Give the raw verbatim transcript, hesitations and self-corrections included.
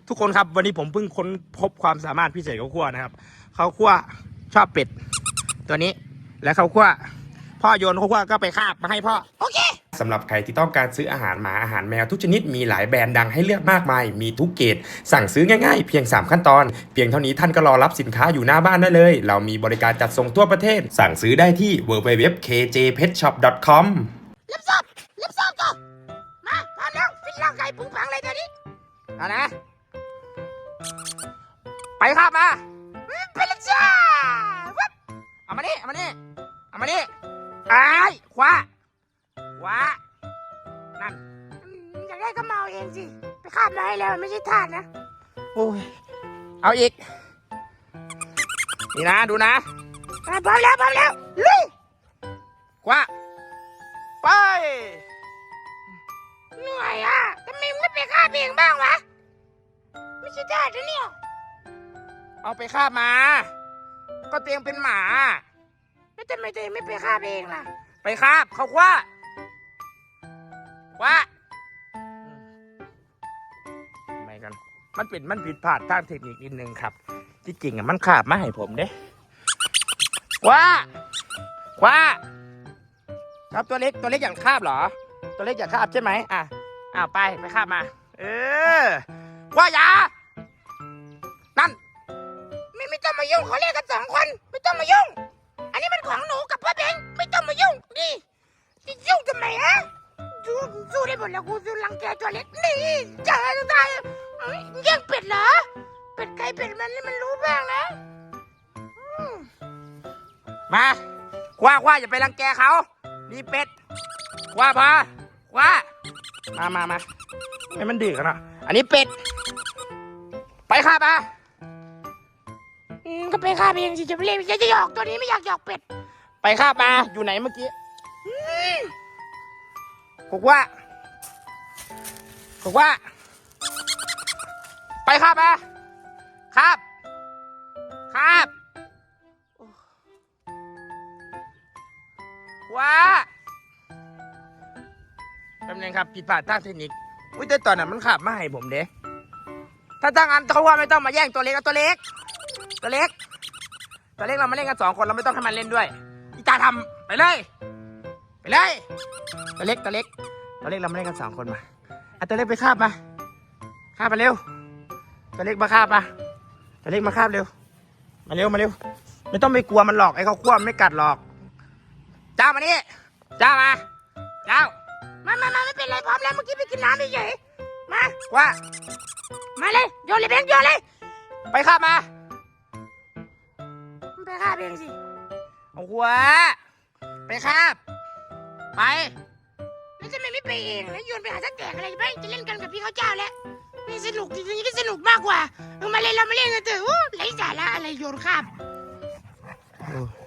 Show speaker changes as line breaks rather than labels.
ทุกคนครับวันนี้ผมเพิ่งค้นพบความสามารถพิเศษเขาคั่วนะครับเขาคั่วชอบเป็ดตัวนี้และเขาคั่วพ่อโยนเขาคั่วก็ไปคาบมาให้พ่อโอเคสำหรับใครที่ต้องการซื้ออาหารหมาอาหารแมวทุกชนิดมีหลายแบรนด์ดังให้เลือกมากมายมีทุกเกรดสั่งซื้อง่ายๆเพียงสามขั้นตอนเพียงเท่านี้ท่านก็รอรับสินค้าอยู่หน้าบ้านได้เลยเรามีบริการจัดส่งทั่วประเทศสั่งซื้อได้ที่ ดับเบิลยู ดับเบิลยู ดับเบิลยู ดอท เค เจ เพท ช็อป ดอท คอม
รับทราบรับทราบก่อนมาพร้อมแล้วฟิตร่างกายผุงผังเลยตอนนี้
เอานะไปครับมา
ไปเลยจ้า
เอามานี่เอามานี่เอามานี่ไอ้คว้าคว้านั่น
อยากได้ก็เมาเองสิไปคาบมาให้แล้วไม่ใช่ทาสนะ
โอ้ยเอาอีกนี่นะดูนะ
พร้อมแล้วพร้อมแล้วลุย
คว้าไป
เหนื่อยอ่ะทำไมไม่ไปคาบเองบ้างวะไม่ใช่ทาสนะเนี่ย
เอาไปคาบมาก็เตียงเป็นหมา
แล้วทำไมตัวเองไม่ไปคาบเองล่ะ
ไปคาบเขาคว้าคว้าไม่กันมันเป็นมันผิดพลาดทางเทคนิคนิดนึงครับที่จริงอ่ะมันคาบมาให้ผมเด้คว้าคว้าครับตัวเล็กตัวเล็กอยากคาบเหรอตัวเล็กอยากคาบใช่ไหมอ่ะอ้าวไปไปคาบมาเออคว้ายานั่น
ไม่ไม่ต้องมายุ่งเขาเรียกกันสองคนไม่ต้องมายุ่งอันนี้มันของหนูกับพ่อเบงไม่ต้องมายุ่งดิจะยุ่งทำไมฮะสู้สู้ได้หมดแล้วกูสู้รังแกตัวเล็กนี่จะตายแย่งเป็ดเหรอเป็ดใครเป็ดมันนี่มันรู้บ้างนะ
มาคว้าคว้าอย่าไปรังแกเขานี่เป็ดคว้าพาคว้ามามามาให้มันดื้อกันเนาะอันนี้เป็ดไปคาบมา
ก็ไปคาบเองสิจะไปเล่นจะจะหยอกตัวนี้ไม่อยากหยอกเป็ด
ไปคาบมาอยู่ไหนเมื่อกี้บอกว่าบอกว่าไปคาบมาคาบคาบว่าแป๊บนึงครับผิดพลาดทางเทคนิคอุ้ยแต่ตอนนั้นมันขาบมาให้ผมเด้ถ้าตั้งอันเขาว่าไม่ต้องมาแย่งตัวเล็กเอาตัวเล็กตัวเล็กตัวเล็กเรามาเล่นกันสองคนเราไม่ต้องให้มันเล่นด้วยอีตาทำไปเลยไปเลยตัวเล็กตัวเล็กตัวเล็กเรามาเล่นกันสองคนมาเอาตัวเล็กไปคาบมาคาบมาเร็วตัวเล็กมาคาบมาตัวเล็กมาคาบเร็วมาเร็วมาเร็วไม่ต้องไปกลัวมันหรอกไอ้เขาขั้วไม่กัดหรอกเจ้ามานี่เจ้ามาเจ้า
มามามาไม่เป็นไรพร้อมแล้วเมื่อกี้ไปกินน้ำเฉยมา
ว่า
มาเลยโยนเลยเบงโยนเลย
ไปคาบมา
ไปคาบเองสิ
เอาหัวไปคาบไป
แล้วจะไม่ไม่ไปเองแล้วโยนไปหาสักแตกอะไรไปจะเล่นกันกับพี่เขาเจ้าแล้วนี่สนุกจริงๆก็สนุกมากกว่าเออมาเล่นเรามาเล่นกันเถอะไร้สาระอะไรโยนคาบ